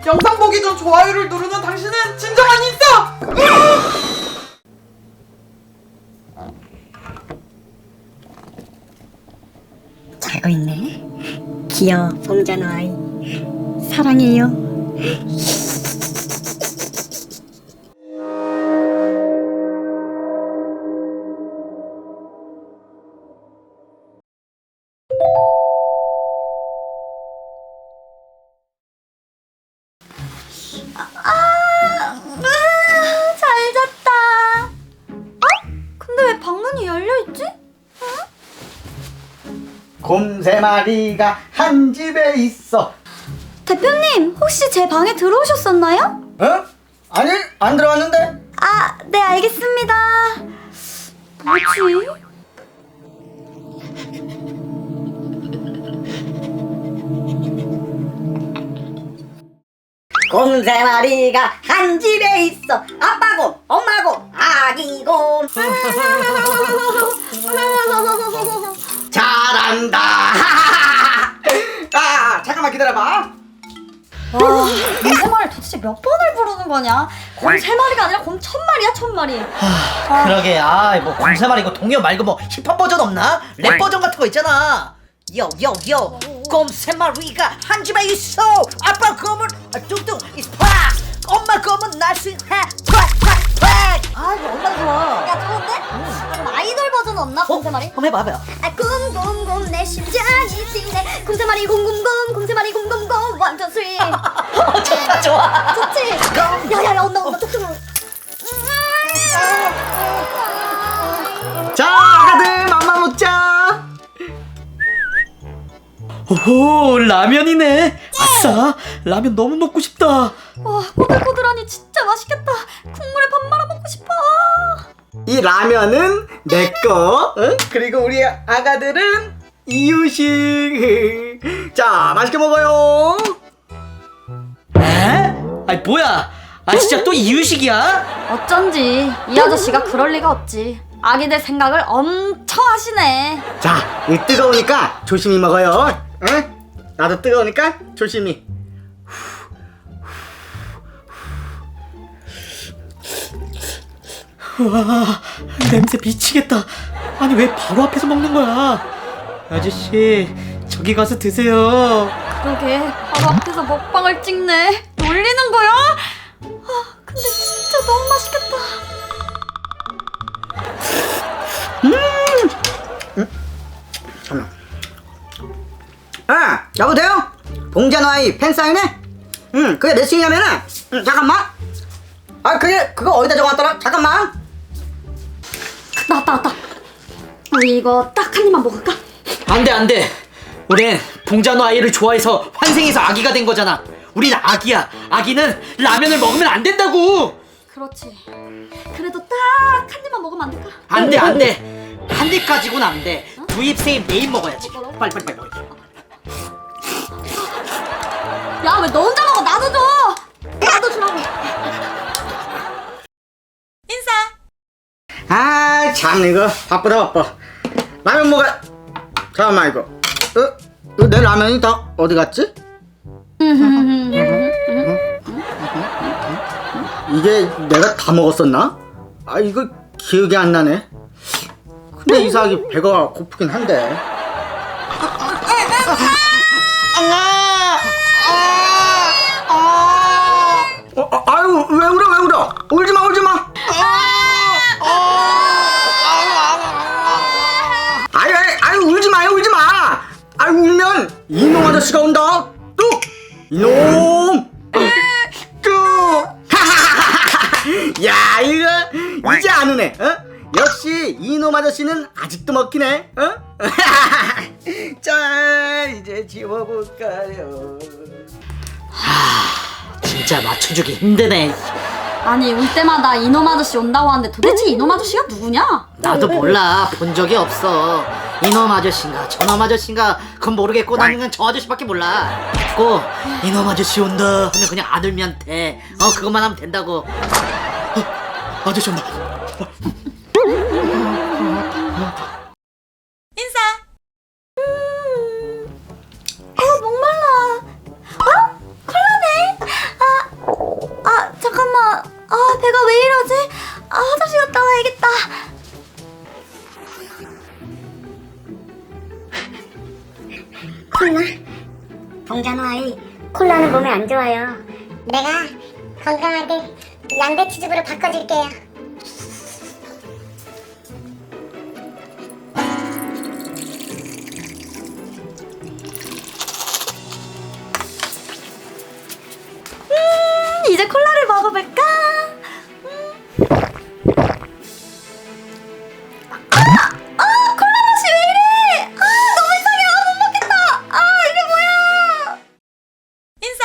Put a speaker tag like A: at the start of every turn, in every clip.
A: 영상 보기 전 좋아요를 누르는 당신은 진정한 인싸!
B: 자고 있네. 귀여워 봉자노 아이. 사랑해요.
C: 잘 잤다. 근데 왜 방문이 열려있지?
D: 곰 3마리가 한 집에 있어.
C: 대표님, 혹시 제 방에 들어오셨었나요?
D: 어? 아니, 안 들어왔는데?
C: 아, 네, 알겠습니다. 뭐지?
B: 곰 3마리가 한 집에 있어. 아빠곰, 엄마곰, 아기곰.
D: 잘한다. 아, 잠깐만 기다려봐.
C: 와, 곰 3마리 도대체 몇 번을 부르는 거냐? 곰 3마리가 아니라 곰 1000마리야, 1000마리.
E: 그러게. 뭐 곰새말 이거 동요 말고 뭐 힙합 버전 없나? 랩 버전 같은 거 있잖아. 요요요 곰 3마리가 한 집에 있어. 아빠 곰은 뚱뚱 is 팍. 엄마 곰은 날씬해 팍팍팍. 아 이거 얼마나 좋아.
C: 야, 좋은데? 그럼 아이돌 버전 없나, 곰 3마리?
E: 한번 해봐요.
C: 아, 곰곰곰 내 심장이 뛰네. 곰 3마리 곰곰곰 곰 3마리 곰곰곰 완전 스윗.
E: 좋다 좋아.
C: 좋지? 야야야, 온다 뚝뚝.
D: 자, 아가들 맘마 먹자.
E: 오호 라면이네. 아싸 라면 너무 먹고 싶다.
C: 와, 꼬들꼬들하니 진짜 맛있겠다. 국물에 밥 말아 먹고 싶어.
D: 이 라면은 내 거. 응? 그리고 우리 아가들은 이유식. 자, 맛있게 먹어요.
E: 에? 아니 뭐야? 아 진짜 또 이유식이야?
C: 어쩐지 이 아저씨가 그럴 리가 없지. 아기들 생각을 엄청 하시네.
D: 자, 이 뜨거우니까 조심히 먹어요. 응? 나도 뜨거우니까 조심히.
E: 와 냄새 미치겠다. 아니 왜 바로 앞에서 먹는 거야? 아저씨 저기 가서 드세요.
C: 그러게, 바로 앞에서 먹방을 찍네. 놀리는 거야? 아, 근데 진짜 너무 맛있겠다.
D: 잠깐만. 아, 여보세요? 봉자노 아이 팬사인회? 그게 몇 시냐면은 잠깐만. 아, 그거 어디다 적어놨더라? 잠깐만.
C: 나왔다. 우리 이거 딱 한 입만 먹을까?
E: 안돼. 우린 봉자노 아이를 좋아해서 환생해서 아기가 된 거잖아. 우린 아기야. 아기는 라면을 먹으면 안 된다고.
C: 그렇지. 그래도 딱 한 입만 먹으면 안 될까?
E: 안돼. 한 입 가지고는 안 돼. 두 입 세 입 네 입 먹어야지. 빨리.
C: 야, 왜 너 혼자 먹어? 나도 줘. 나도 주라고.
D: 아, 참 이거 바쁘다. 라면 먹어. 잠깐만 이거. 이거 내 라면이 다 어디 갔지? 이게 내가 다 먹었었나? 아, 이거 기억이 안 나네. 근데 이상하게 배가 고프긴 한데. 아유, 왜 울어? 울지 마. 아유, 울지 마요. 아유, 울면 이놈 아저씨가 온다. 뚝! 이놈! 뚝! 야, 이거 이제 안 우네. 어? 역시 이놈 아저씨는 아직도 먹히네. 어? 자, 이제 지워볼까요?
E: 진짜 맞춰주기 힘드네.
C: 아니, 올 때마다 이놈 아저씨 온다고 하는데 도대체 이놈 아저씨가 누구냐?
E: 나도 몰라. 본 적이 없어. 이놈 아저씨인가 저놈 아저씨인가 그건 모르겠고 나는 그냥 저 아저씨밖에 몰라. 꼭 이놈 아저씨 온다 하면 그냥 아들면 돼. 그것만 하면 된다고. 아저씨 온다.
C: 목말라. 콜라네.
F: 콜라? 봉자노 아이, 콜라는 몸에 안 좋아요. 내가 건강하게 양배추즙으로 바꿔줄게요.
C: 이제 콜라를 먹어볼까? 콜라 맛이 왜 이래? 너무 이상해. 못 먹겠다. 이게 뭐야? 인사.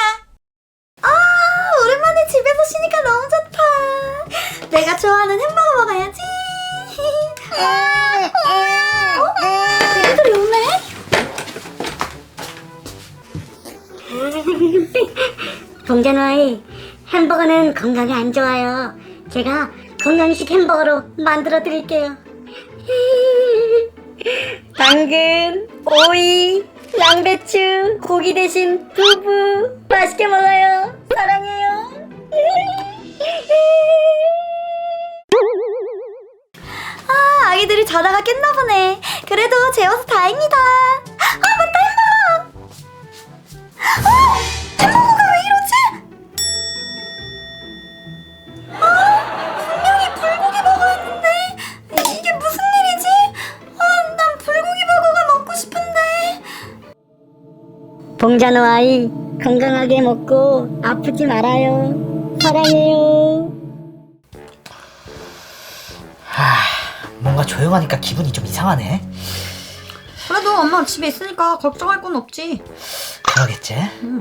C: 오랜만에 집에서 쉬니까 너무 좋다. 내가 좋아하는 햄버거 먹어야지. 애들이 오네?
F: 봉자노 아이, 햄버거는 건강에 안 좋아요. 제가 건강식 햄버거로 만들어 드릴게요.
B: 당근, 오이, 양배추, 고기 대신 두부 맛있게 먹어요. 사랑해요.
C: 아기들이 자다가 깼나 보네. 그래도 재워서 다행이다. 맞다, 햄버거. 햄버거가 왜 이러지? 분명히 불고기 버거였는데 이게 무슨 일이지? 난 불고기 버거가 먹고 싶은데.
B: 봉자노 아이, 건강하게 먹고 아프지 말아요. 사랑해요.
E: 뭔가 조용하니까 기분이 좀 이상하네.
C: 그래도 엄마 집에 있으니까 걱정할 건 없지.
E: 그러겠지?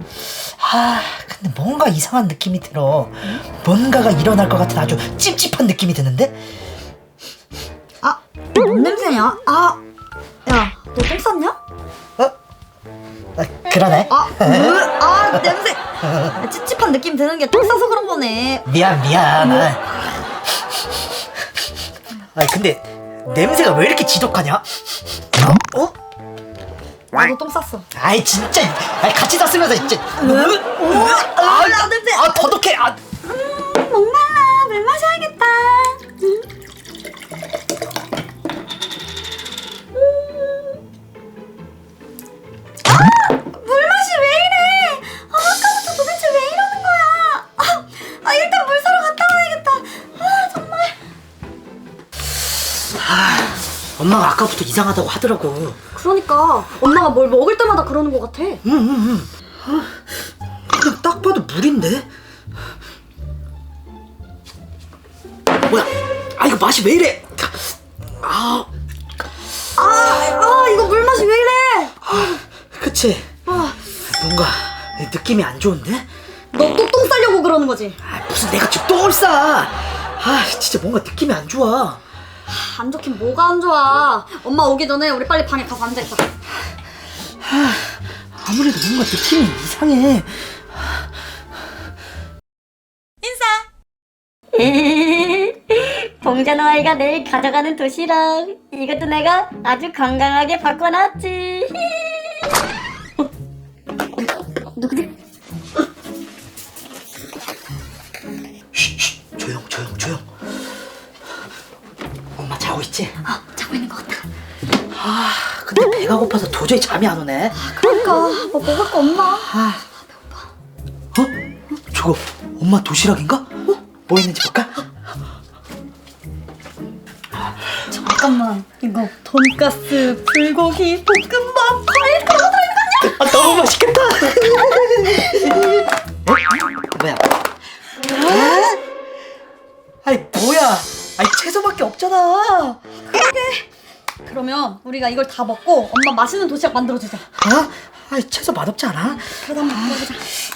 E: 근데 뭔가 이상한 느낌이 들어. 뭔가가 일어날 것 같은 아주 찝찝한 느낌이 드는데?
C: 뭔 냄새냐? 야, 너 똥 쌌냐?
E: 그러네.
C: 냄새. 찝찝한 느낌 드는 게 똥 싸서 그런 거네.
E: 미안. 근데 냄새가 왜 이렇게 지독하냐?
C: 나도 똥 쌌어.
E: 아이 진짜. 같이 샀으면서 진짜.
C: 냄새.
E: 더덕해.
C: 목말라. 물 마셔야겠다. 물 맛이 왜 이래? 아까부터 도대체 왜 이러는 거야? 일단 물 사러 갔다 와야겠다. 정말.
E: 엄마가 아까부터 이상하다고 하더라고.
C: 그러니까 엄마가 뭘 먹을 때마다 그러는 것 같아.
E: 그냥 딱 봐도 물인데? 뭐야? 이거 맛이 왜 이래?
C: 이거 물 맛이 왜 이래?
E: 그치? 뭔가 느낌이 안 좋은데?
C: 너 또 똥 싸려고 그러는 거지?
E: 무슨 내가 지금 똥을 싸? 진짜 뭔가 느낌이 안 좋아.
C: 안 좋긴 뭐가 안 좋아. 엄마 오기 전에 우리 빨리 방에 가서 앉아있자.
E: 아무래도 뭔가 느낌이 이상해.
B: 봉자노 아이가 내일 가져가는 도시락. 이것도 내가 아주 건강하게 바꿔놨지. 누구지?
E: 조용. 엄마 자고 있지?
C: 자고 있는 것 같아.
E: 근데 배가 고파서 도저히 잠이 안 오네.
C: 그러니까 뭐 먹을 거 없나?
E: 저거 엄마 도시락인가? 뭐 있는지 볼까?
C: 잠깐만, 이거 돈가스, 불고기, 볶음밥, 과일 그런 거 들어있는 거 아니야?
E: 너무 맛있겠다. 뭐야? 뭐야? 채소밖에 없잖아.
C: 그러면 우리가 이걸 다 먹고 엄마 맛있는 도시락 만들어주자.
E: 채소 맛없지 않아?
C: 그러다 한번 먹어보자.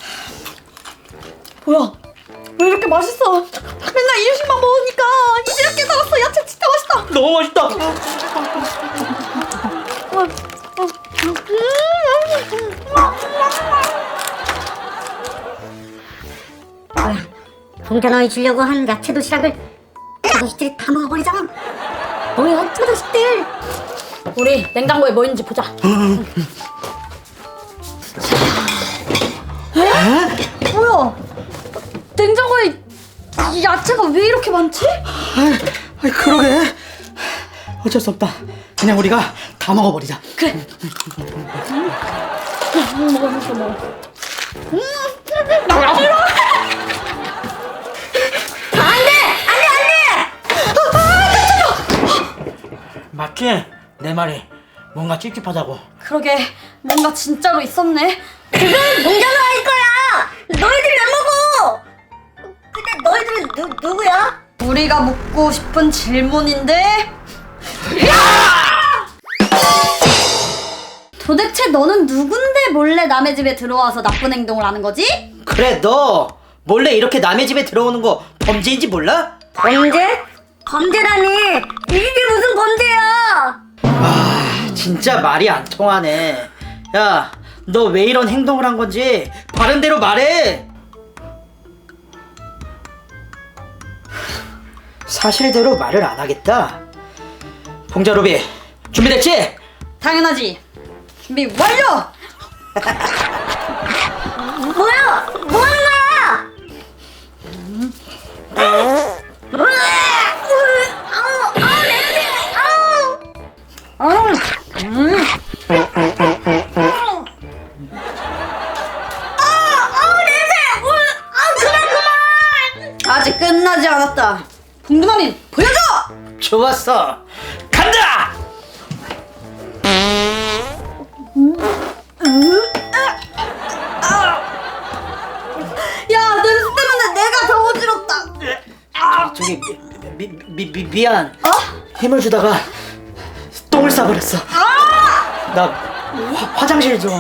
C: 뭐야? 왜 이렇게 맛있어? 맨날 이 음식만 먹으니까 이제 이렇게 살았어. 야채 진짜 맛있다.
E: 너무 맛있다.
F: 봉자노 아이 주려고 한 야채 도시락을 저 자식들이 다 먹어버리잖아. 뭐야, 저 자식들.
C: 우리 냉장고에 뭐 있는지 보자. 뭐야? 냉장고에 야채가 왜 이렇게 많지?
E: 그러게. 어쩔 수 없다. 그냥 우리가 다 먹어버리자.
C: 그래.
E: 맞지? 내 말이 뭔가 찝찝하다고.
C: 그러게 뭔가 진짜로 있었네.
B: 그건 봉자노아일 거야. 너희들이 안 먹어. 근데 너희들은 누구야?
C: 우리가 묻고 싶은 질문인데. 도대체 너는 누군데 몰래 남의 집에 들어와서 나쁜 행동을 하는 거지?
E: 그래, 너 몰래 이렇게 남의 집에 들어오는 거 범죄인지 몰라?
B: 범죄? 범죄라니. 이게 무슨 범죄야?
E: 진짜 말이 안 통하네. 야, 너 왜 이런 행동을 한 건지 바른 대로 말해. 사실대로 말을 안 하겠다. 봉자루비, 준비됐지?
C: 당연하지. 준비 완료.
B: 뭐야? 뭐 하는 거야? 냄새!
C: 아직 끝나지 않았다. 봉두마님 보여줘.
E: 좋았어. 간다!
C: 야 냄새 때문에 내가 더 어지럽다.
E: 저기 미안. 힘을 주다가 똥을 싸버렸어. 나 화장실 좀.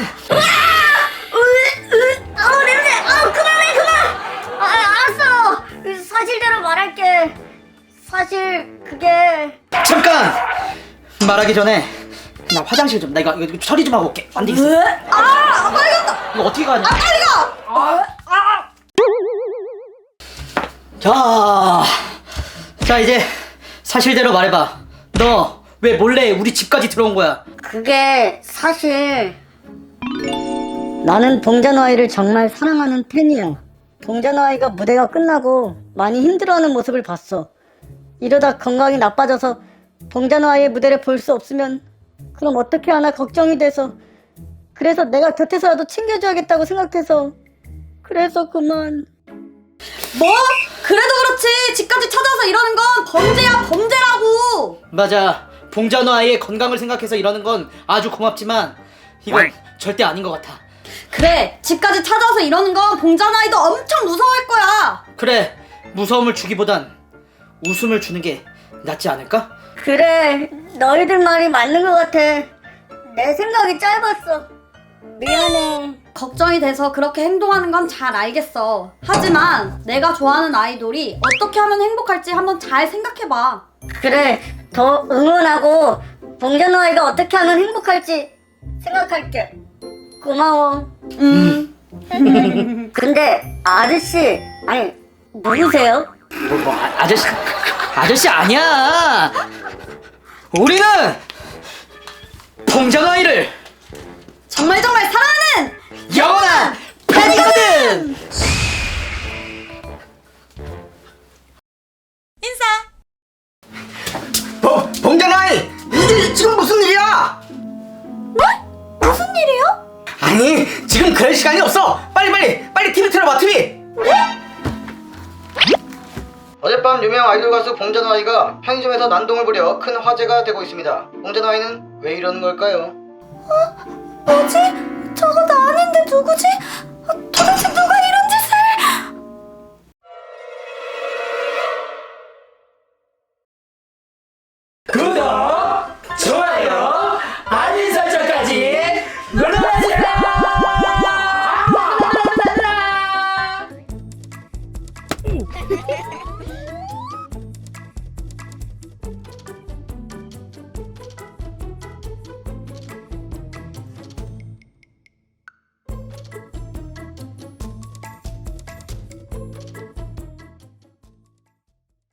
B: 냄새! 그만해, 그만! 알았어! 사실대로 말할게. 사실, 그게.
E: 잠깐! 말하기 전에 나 화장실 좀. 나 이거 처리 좀 하고 올게. 안 되겠어.
C: 빨리 간다.
E: 이거 어떻게 가냐?
C: 빨리 가.
E: 자 이제 사실대로 말해봐. 너 왜 몰래 우리 집까지 들어온 거야?
B: 그게 사실 나는 봉자노아이를 정말 사랑하는 팬이야. 봉자노아이가 무대가 끝나고 많이 힘들어하는 모습을 봤어. 이러다 건강이 나빠져서 봉자노아이의 무대를 볼 수 없으면 그럼 어떻게 하나 걱정이 돼서, 그래서 내가 곁에서라도 챙겨줘야겠다고 생각해서, 그래서 그만.
C: 뭐? 그래도 그렇지. 집까지 찾아서 이러는 건 범죄야, 범죄라고.
E: 맞아. 봉자노 아이의 건강을 생각해서 이러는 건 아주 고맙지만 이건 절대 아닌 것 같아.
C: 그래, 집까지 찾아서 이러는 건 봉자나이도 엄청 무서워할 거야.
E: 그래, 무서움을 주기보단 웃음을 주는 게 낫지 않을까?
B: 그래, 너희들 말이 맞는 것 같아. 내 생각이 짧았어. 미안해.
C: 걱정이 돼서 그렇게 행동하는 건 잘 알겠어. 하지만 내가 좋아하는 아이돌이 어떻게 하면 행복할지 한번 잘 생각해봐.
B: 그래, 더 응원하고 봉자노아이가 어떻게 하면 행복할지 생각할게. 고마워. 근데 아저씨, 아니 누구세요?
E: 아저씨 아니야. 우리는 봉자노 아이를
C: 정말 사랑하는
E: 영원한 팬이거든.
D: 봉자나이! 이게 지금 무슨 일이야?
C: 무슨 일이요?
D: 아니 지금 그럴 시간이 없어. 빨리 TV 틀어봐. TV. 어젯밤 유명 아이돌 가수 봉자나이가 편의점에서 난동을 부려 큰 화제가 되고 있습니다. 봉자나이는 왜 이러는 걸까요?
C: 뭐지? 저거 나 아닌데 누구지? 도대체 누가 이런 짓을?
E: 구독!